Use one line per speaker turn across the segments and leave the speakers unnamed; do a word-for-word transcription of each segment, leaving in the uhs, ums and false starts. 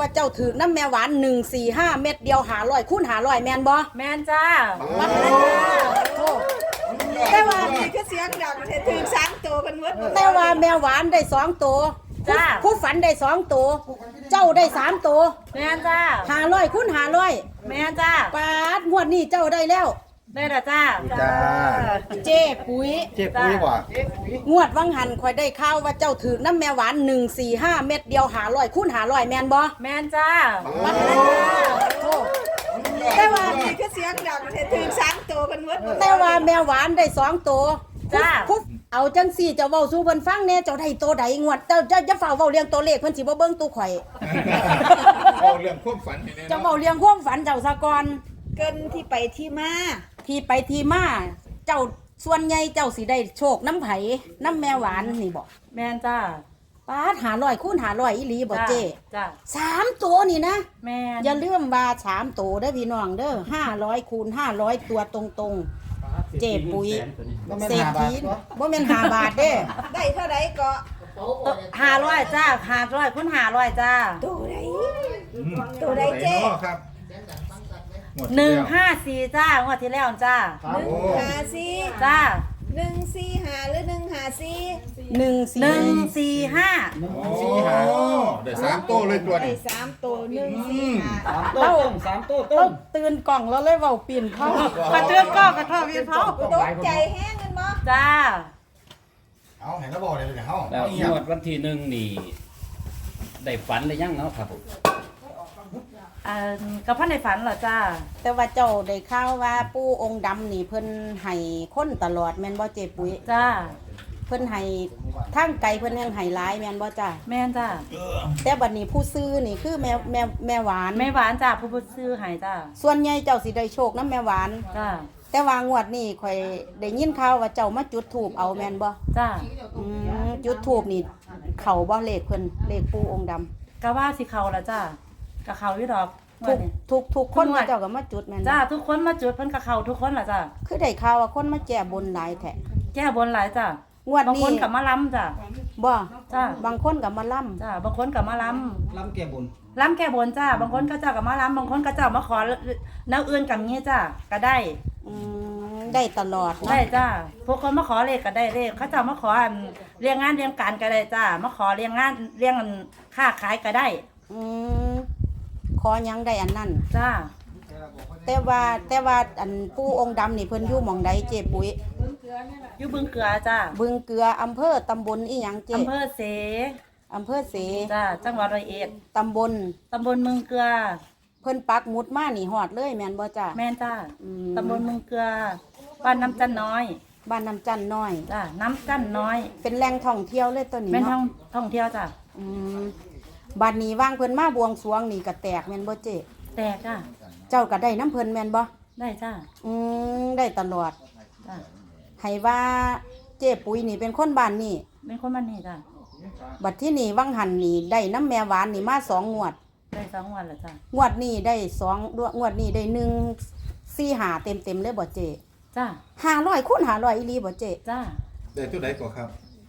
ว่าเจ้าถือน้ำแม่หวานหนึ่งสี่ห้าเม็ดเดียวหาร้อยคูณหาร้อยแมนบ่
แมนจ้า
วัดเลยแต่ว่า
นี่คือเสียงดังถือสามตัวเป็นมด
แต่ว่าแม่หวานได้สองตัว
จ้า
ผู้ฝันได้สองตัวเจ้าได้สามตัว
แมนจ้า
หาร้อยคูณหาร้อย
แมนจ้า
ปาดงวดนี้เจ้าได้แล้ว
ได้ละจ้า
จ้า
เจ๊ปุ๋ย
เจ๊ปุ๋ยว่ะ
งวดวังหันคอยได้ข่าวว่าเจ้าถือน้ำแม่หวานหนึ่งสี่ห้าเม็ดเดียวหาร้อยคูณหาร้อยแมนบ่
แมนจ้า
วัดเลยแต่ว่า
นี่คือเสียงดังถือสามตัวเป็นมด
แต่ว่าแม่หวานได้สองตัว
จ้า
คุบเอาจังสี่เจ้าเว้าสู่เพิ่นฟังแน่เจ้าได้ตัวใดงวดเจ้าจะจะฝ่าเว้าเรียงตัวเลขเพิ่นสิบ่เบิ่งตู้ข่อย
เว้าเรื่องความฝันให้แน่
เจ้าเว้าเรียงความฝันเจ้าซะก่อน
เกินที่ไปที่มา
ที่ไปที่มาเจ้าส่วนใหญ่เจ้าสิได้โชคน้ำไผน้ำแม่หวานนี่บ่
แมนจ้า
ป้าหาร้อยคูณหาร้อยอีหลีบ่เจ้
จ้า
สามตัวนี่นะ
แมน
อย่าลืมว่าสามตัวเด้อพี่น้องเด้อห้าร้อยคูณห้าร้อยตัวตรงๆเจ๊ปุ๋ยเศรษฐีบ่แม่นห้าบาทเด้
ได้เท่าไรก็
ห้าร้อยจ้าห้าร้อยคุณห้าร้อยจ้า
ตัวไรตัวไรเจ๊
ครับ
หนึ่งห้าสี่จ้างวดที่แล้วจ้า
หนึ่งห้าสี่
จ้า
หนึ่งสี่ห้าหรือหนึ่งห้าสี่
หนึ่ง
หนึ่งสี่ห้า
หนึ่งสี่ห้าเดี๋ยวสามโต้เลยตัวนี้
สามตัวหนึ่งสี่ห้า
สามโต้สามโต้ต้นตื่นกล่องแล้วเลยเว้าปีนเข้าก
ระเทือนก็กระเทาะวีนเขา
ตกใจแห้งกันมั้
จ้า
เอาเห็นแล้วบอกเลยเดี๋ยวเขา
แล้วงวดวันที่หนึ่งนี่ได้ฝันหรือยังเนาะครับผม
อ่ากับพ่อในฝันเหรอจ้า
แต่ว่าเจ้าได้ข่าวว่าปู่องค์ดำนี่เพิ่นให้คนตลอดแม่นบ่เจ๊ปุ๋ย
จ้า
เพิ่นให้ทางไกลเพิ่นยังให้หลายแม่นบ่จ้า
แม่นจ้า
แต่บัดนี้ผู้ซื้อนี่คือแม่แม่แม่หวาน
แม่หวานจ้าผู้ผู้ซื้อให้จ้า
ส่วนใหญ่เจ้าสิได้โชคนำแม่หวาน
จ้า
แต่ว่างวดนี้ข่อยได้ยินข่าวว่าเจ้ามาจุดธูปเอาแม่นบ่
จ้า
อืมจุดธูปนี่เข้าบ่เลขเพิ่นเลขปู่องค์ดำ
ก็ว่าสิเข้าล่ะจ้าก็เข้าอยู่ดอก
ทุกทุกทุกคนเจ้าก็มาจุดแม่น
จ้าทุกคนมาจุดเพิ่นก็เข้าทุกคนล่ะจ้า
คือได้ข่าวว่าคนมาแก้บนหลายแท้
แก้บนหลายจ้าง
วดนี้
บางคนก็มาล้ำจ้า
บ่
จ้า
บางคนก็มาล้ำ
จ้าบางคนก็มาล้ำ
ล้ำแก้บน
ล้ำแก้บนจ้าบางคนก็เจ้าก็มาล้ำบางคนก็เจ้ามาขอแนวอื่นกับงี้จ้าก็ได้
อืมได้ตลอด
ได้จ้าพวกคนมาขอเลขก็ได้เลขเขาเจ้ามาขอเรียงงานเรียงการก็ได้จ้ามาขอเรียงงานเรียงค้าขายก็ได้
อืมขอยังได้อันนั้น
จ้า
แต่ว่าแต่ว่าอันปู่องค์ดำนี่เพิ่นอยู่หม่องใดเจ๊ปุ๋ย
อยู่บึงเกลือจ้า
บึงเกลืออำเภอตำบลอีหยังเจ๊
อำเภอเส
อำเภอเส
จ้าจังหวัดร้อยเอ็ด
ตำบล
ตำบลเมืองเกลือ
เพิ่นปักหมุดมานี่ฮอดเลยแม่นบ่จ้า
แม่นจ้าตำบลเมืองเกลือบ้านน้ำจันน้อย
บ้านน้ำจันน้อย
จ้าน้ำจันน้อย
เป็นแหล่งท่องเที่ยวเลยตัวนี้
เนาะเป็นท่องท่องเที่ยวจ้า
อืมบัดนี้ว่างเพิ่นมาบวงสรวงนี่ก็แตกแม่นบ่เจ๊
แตกจ้า
เจ้าก็ได้น้ำเพิ่นแม่นบ่
ได้จ้า
อืมได้ตลอด
จ้า
ให้ว่าเจ๊ปุ๋ยนี่เป็นคนบ้านนี่
เป็นคนบ้านนี่จ้า
บัดที่นี่วังหันนี่ได้น้ำแม่หวานนี่มาสองงวด
ได้สองงวดแล้วจ้าง
วดนี้ได้สองงวดนี้ได้หนึ่งสี่หาเต็มเต็มเลยบ่เจ๊
จ้า
ห้าร้อยคูณห้าร้อยอีหลีบ่เจ๊
จ้า
ได้ตัวไหนก่อนครับ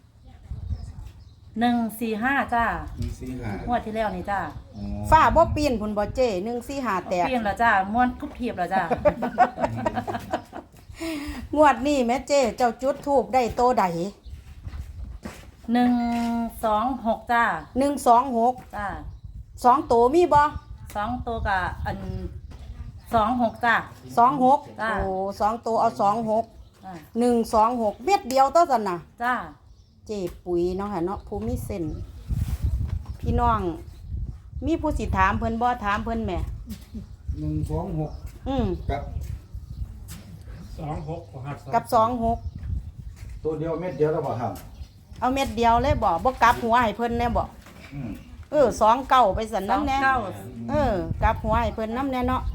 หนึ่งสี่ห้าจ้า
หนึ่งสี่ห้าง
วดที่แล้วนี่จ้า
ฝ้าบ่ปีนพุ่นบ่เจ๊หนึ่งสี่ห้าแตก
ปีนแล้วจ้าม้วนคุบเทียบแล้วจ้า
งวดนี้แม่เจ๊เจ้าจุดธูปได้โตใด
หนึ่งสองหกจ้า
หนึ่งสองหก
จ้า
สองโตมีบ่
สองตัวกับอันสองหกจ้า
สองหก
โอ้
สองตัวเอาสองหกหนึ่งสองหกเม็ดเดียวเท่ากันน่ะ
จ้า
เจ๊ปุ๋ยเนาะค่ะเนาะผู้มีเส้นพี่น้องมีผู้สิถามเพิ่นบ่ถามเพิ่นแหม่
หนึ่งสองหก
อืม
กับ
สองหก
กับสองหก
ตัวเดียวเม็ดเดียวแล้วบ่ครับ
เอาเม็ดเดียวเลยบ่บ่กลับหัวให้เพิ่นแน่บ่เออสองเก้าไปสั่นน้ำแน่เออกลับหัวให้เพิ่นน้ำแน่เนาะ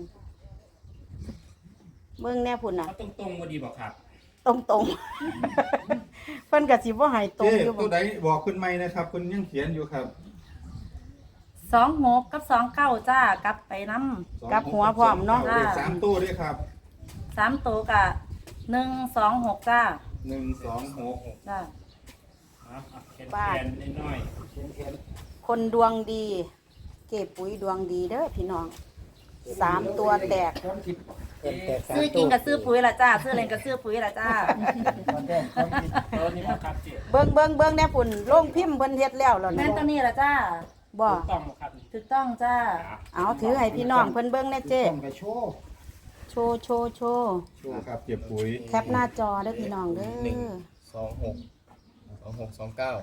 เบิ่งแน่พุ่นน่ะ
ตรงตรงบ่ดีบ่ครับ
ตรงตรงเพิ่นก็สิบ่ให้ตรงอยู่
บ่ตัวใดบอกเพิ่นใหม่นะครับเพิ่นยังเขียนอยู่ครับ
สองหกกับสองเก้าจ้ากลับไปน้
ำกลับหัวพร้อมเนาะ
สามตัวด้วยครับ
สามตัวกับหนึ่งสองหกจ้า
หนึ่งสองหก
จ้า
ป้าคนดวงดีเจ็บปุ๋ยดวงดีเด้อพี่น้องสามตัวแตก
ซื้อจริงกับซื้อปุ๋ยละจ้าซื้อเล่นกับซื้อปุ๋ยละจ้า
เบิ่งเบิ่งเบิ่งแน่ปุ่นโรงพิมพ์เพิ่นเฮ็ดแล้วแล้ว
แม่นตัวนี้ละจ้า
บ่
ถูกต้องจ้า
เอาถือให้พี่น้องเพิ่นเบิ่งแน่เจ้
ต้องไปโชว์
โชว์โชว์โชว์
โชว์ครับเจ็บปุ๋ย
แคปหน้าจอเด้อพี่น้องเด้
หนึ่ง
อ
สองหกสองหกสองเก้า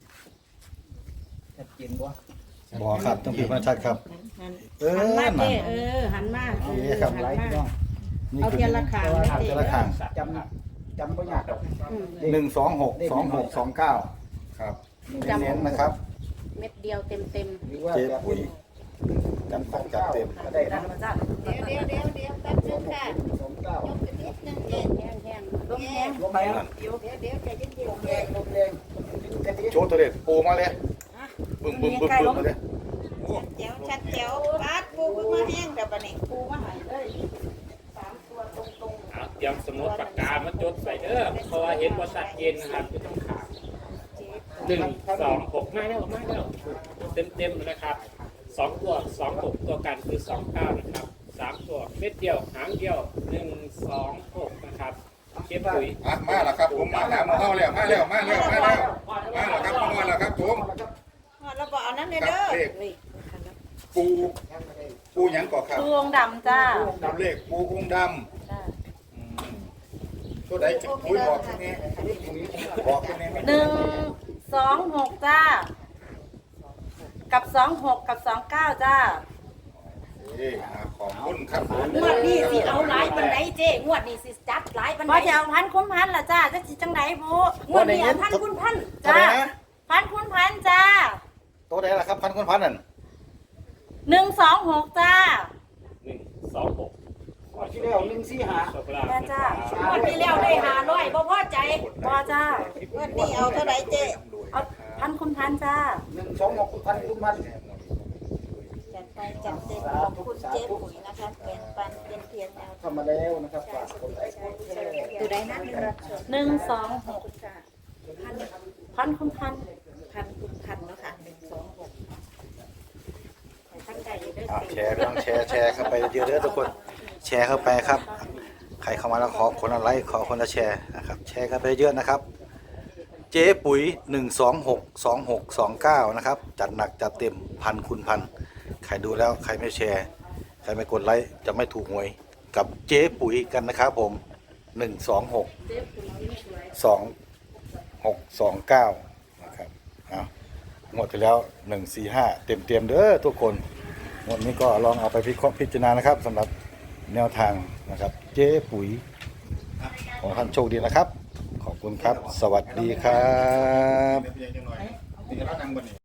บ่ครับต้องพิมพ์มาชัดครับเออ
หันมา
นั่น
เจ้เออหันมาเอ
นี่
อ
ครับ
หันมา
นี่
เอา
คือ
เทียนละขางนะ
เทียนละขาง
จำจำไม่ยากหรอก
อืม
หนึ่งสองหกสองหกสองเก้าครับ
จำ
เน้นๆนะครับ
เม็ดเดียวเต็มเต็ม
หรือว่า
เจ็บ
แบบ
ปุ๋ยจัดหนักจัดเต็ม
ก็ได้
ได้
นะ
ละจ้า
เดี๋ยวเดี๋ยวเดี๋ยวเดี๋ยวแป๊บนึงค่ะ
สองเก้าย
กขึ้นนิดนึงเจ๊
ๆแห้งแห้ง
ลมแห้ง
ลงไปแล้ว
เดี๋ยวเดี๋ยวเดี๋ยวใจเย็น
ลมแรงลมแรงแค่นี้
โชว์ตัวเด็ดปูมาเลยบึ้มบึ้มบึ้มบึ้มมาเลย
ๆแจ๋วชัดแจ๋วบาดปูเพิ่งมาแห้งเดี๋ยวบัดนี้
ปูมาให้เลยสามตัวตรง
เอาเตรียมสมุดปากกามาจดใส่เด้อเพราะว่าเห็นว่าชัดเจนนะครับไม่ต้องขาดหนึ่งสองหกมาแล้วมาแล้วเต็มเต็มๆนะครับสองตัวสองหกตัวกันคือสองเก้านะครับสามตัวเม็ดเดียวหางเดียวหนึ่งสองหกนะครับเก็บปุ๋ย
อ่ะมาแล้วครับผมมาหาหมอเข้าแล้วมาแล้วมาแล้วมาแล้วมาแล้วครับมาแล้วครับผม
เราบอกเอานั้นเลยเด้อ
ปูปูหยังก่อครับ
ตู้องค์ดำจ้า
ดำเลขปูองค์ด
จ้า
ำอืมตัวใดจะปุ๋ยบอกที่นี่บอกที่นี่
หนึ่งสองหกจ้า กับสองหกกับสองเก้าจ้า
เอ้ยอ่ะขอบคุณครับผม
ๆงวดนี้สิเอาหลายปานใดเจ้งวดนี้สิจัดหลายปาน
พ
ใด
อจะเอาพันคุ้มพันละจ้าจะสิจังไหนบุ
งวดนี้เอาพันคุณพัน
ตัว
จ้า
ใดนะ
พันคุ้มพันจ้า
ตัวใดล่ะครับพันคนพันนั่น
หนึ่งสองหกจ้า
หนึ่งสองหก
ที่แล้วหนึ่งสี่หา
โชคลาภ
แม่จ้า
งวดที่แล้วได้ห้าร้อยบ่พอใจ
พอจ้า
วันนี้เอาเท่าไหร่เจ๊
เอาพันคุ้มพันจ้า
หนึ่งสองหกพันทุกพัน
จัดไปจัดเต็มขอบคุณเจ๊ปุ๋ยนะคะแบ่งปันเป็นเพียงแนว
ทำมาแล้วนะครับฝากกดไลค์กดแชร์
ตัวใดนั้นรับชม
หนึ่งสองหก
พัน
พันคุ้มพัน
พันคุณพันเนาะค่ะหนึ่งสองหกตั้งใจอยู่ด้วย
อ่ะ
สิ
แชร์เรื่องแชร์แชร์เข้าไปเยอะๆเด้อทุกคนแชร์เข้าไปครับ ใครเข้ามาแล้วขอคนละไลค์ขอคนละแชร์นะครับแชร์กันไปเยอะนะครับ เจ๊ปุ๋ยหนึ่งสองหกสองหกสองเก้านะครับจัดหนักจัดเต็มพันคูณพันใครดูแล้วใครไม่แชร์ใครไม่กดไลค์จะไม่ถูกหวยกับเจ๊ปุ๋ยกันนะครับผมหนึ่งสองหกสองหกสองเก้านะครับเอาหมดไปแล้วหนึ่งสี่ห้าเต็มเต็มๆเด้อทุกคนงวดนี้ก็ลองเอาไปพิเคราะห์พิจารณานะครับสำหรับแนวทางนะครับเจ๊ปุ๋ยขอท่านโชคดีนะครับ ขอบคุณครับ สวัสดีครับ
นี่เรานั่งบนนี้